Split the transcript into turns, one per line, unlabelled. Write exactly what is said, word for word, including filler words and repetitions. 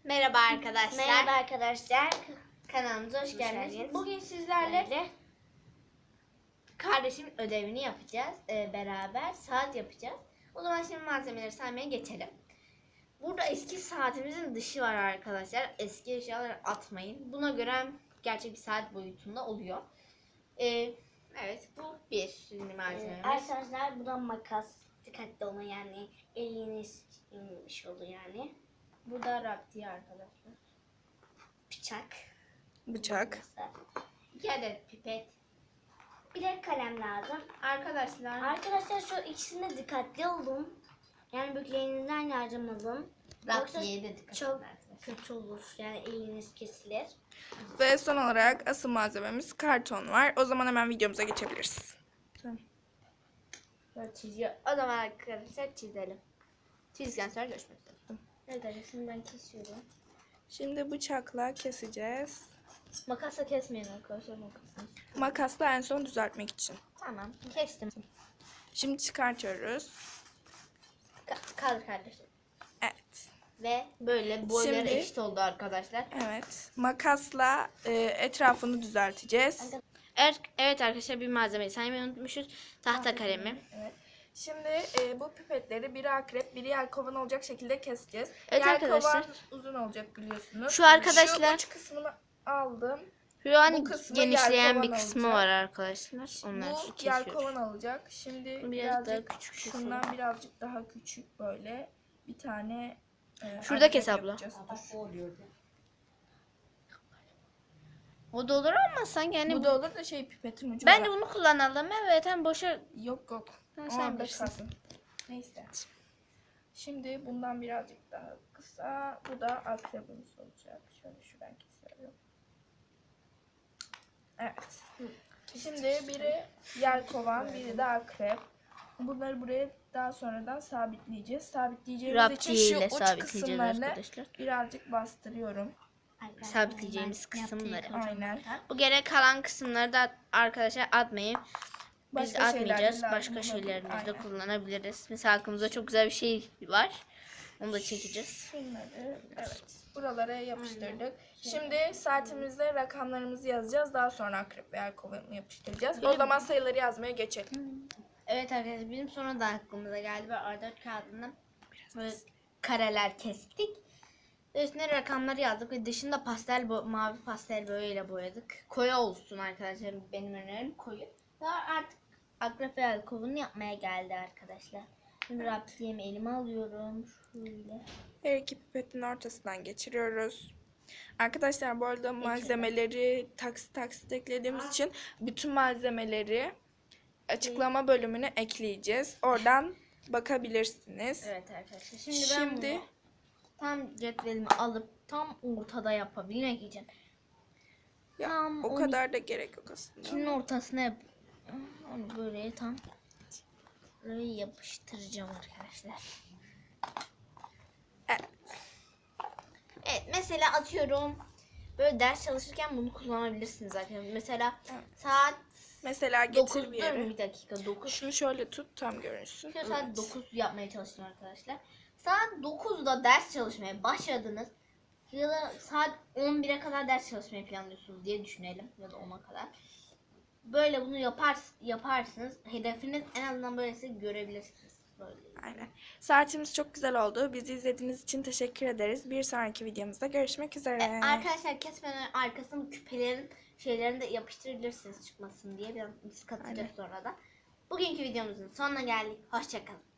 Merhaba arkadaşlar.
Merhaba arkadaşlar.
Kanalımıza hoş,
Hoş
geldiniz.
geldiniz.
Bugün sizlerle
Böyle.
kardeşimin ödevini yapacağız. Ee, beraber saat yapacağız. O zaman şimdi malzemeleri saymaya geçelim. Burada eski saatimizin dışı var arkadaşlar. Eski eşyaları atmayın. Buna göre gerçek bir saat boyutunda oluyor. Ee, evet bu bir şimdi malzememiz.
Ee, arkadaşlar bu da makas. Dikkatli olun yani. Eliniz inmiş olur yani.
Bu da raptiye arkadaşlar.
Bıçak.
Bıçak.
İki adet pipet.
Bir de kalem lazım.
Arkadaşlar.
Arkadaşlar şu ikisine dikkatli olun. Yani büyüklerinizden yardım alın.
Raptiye de dikkat
çok
edin arkadaşlar.
kötü olur. Yani eliniz kesilir.
Ve son olarak asıl malzememiz karton var. O zaman hemen videomuza geçebiliriz. Tamam.
Böyle çiziyor. O zaman arkadaşlar çizelim. Çizdikten sonra görüşmek üzere.
Evet arkadaşlar ben kesiyorum.
Şimdi bıçakla keseceğiz.
Makasla kesmeyin arkadaşlar makasını.
Makasla en son düzeltmek için.
Tamam kestim.
Şimdi çıkartıyoruz.
Ka- kaldır kardeşim.
Evet.
Ve böyle boyları
Şimdi-
eşit oldu arkadaşlar.
Evet. Makasla e, etrafını düzelteceğiz.
Evet, evet arkadaşlar bir malzemeyi saymayı unutmuşuz. Tahta kalemi.
Evet. Şimdi e, bu pipetleri biri akrep, biri yelkovan olacak şekilde keseceğiz.
Evet
Yelkovan
arkadaşlar.
uzun olacak biliyorsunuz.
Şu arkadaşlar-
Şu uç kısmını aldım.
Şu an
Bu kısmı
genişleyen
yelkovan
bir kısmı
olacak.
var arkadaşlar. Onları
Bu
kesiyoruz.
yelkovan alacak. Şimdi
Bunu biraz
birazcık
daha küçük
şundan
keselim.
birazcık daha küçük böyle bir tane e,
Şurada
akrep
kes abla.
yapacağız. Dur.
O da olur ama sanki hani
Bu da olur da şey pipetin ucu
bence
var.
bunu kullanalım. Evet hem boşa
Yok yok.
Ha, sen
Orada
bilirsin.
kalsın. Neyse. Şimdi bundan birazcık daha kısa. Bu da akrebimiz olacak. Şöyle şuradan kesiyorum. Evet. Şimdi biri yelkovan, biri de akrep. Bunları buraya daha sonradan sabitleyeceğiz. Sabitleyeceğimiz için
raptiye
şu
ile
uç
sabitleyeceğiz
kısımlarını
arkadaşlar.
birazcık bastırıyorum.
Arkadaşlar,
Sabitleyeceğimiz
ben yaptığım
kısımları.
kocaman
Aynen.
makas.
Bu gerek kalan kısımları da arkadaşlar atmayın. Biz
Başka
atmayacağız.
şeylerde lazım
Başka
olabilir.
şeylerimizde
Aynen.
kullanabiliriz. Mesela aklımızda çok güzel bir şey var. Onu da çekeceğiz.
Şunları evet buralara yapıştırdık. Şimdi saatimizde rakamlarımızı yazacağız. Daha sonra akrep ve yelkovanı yapıştıracağız. O zaman sayıları yazmaya geçelim.
Evet arkadaşlar bizim sonra da aklımıza geldi. Böyle A dört kağıdından böyle kareler kestik. Ve üstüne rakamları yazdık ve dışında pastel bo- mavi pastel boyayla boyadık. Koyu olsun arkadaşlar, benim önerim koyu. Daha artık akrep ve yelkovanı yapmaya geldi arkadaşlar. Şimdi raptiyemi elime alıyorum. Şöyle.
Her iki pipetin ortasından geçiriyoruz. Arkadaşlar bu arada malzemeleri taksit taksit eklediğimiz için bütün malzemeleri açıklama bölümüne ekleyeceğiz. Oradan bakabilirsiniz.
Evet arkadaşlar. Şimdi, ben
Şimdi
bunu tam cetvelimi alıp tam ortada yapabilmek için
ya,
tam
o
on
kadar da gerek yok aslında.
ikinin ortasına yap. Onu böyle tam böyle yapıştıracağım arkadaşlar.
Evet.
Evet mesela atıyorum böyle ders çalışırken bunu kullanabilirsiniz arkadaşlar. Mesela
Evet.
saat
Mesela getir
dokuzda
bir yere.
bir dakika dokuz.
Şunu şöyle tut tam görünsün.
Şu saat
Evet.
dokuz yapmaya çalıştım arkadaşlar. Saat dokuzda ders çalışmaya başladınız. Ya da saat on bire kadar ders çalışmayı planlıyorsunuz diye düşünelim. Ya da ona kadar. Böyle bunu yapar, yaparsınız. Hedefiniz en azından böylesi görebilirsiniz. Böyle.
Aynen. Saatimiz çok güzel oldu. Bizi izlediğiniz için teşekkür ederiz. Bir sonraki videomuzda görüşmek üzere.
E, arkadaşlar kesmeden arkasını küpelerin şeylerini de yapıştırabilirsiniz çıkmasın diye. Biraz biz katacağız
Aynen.
sonra da. Bugünkü videomuzun sonuna geldik. Hoşçakalın.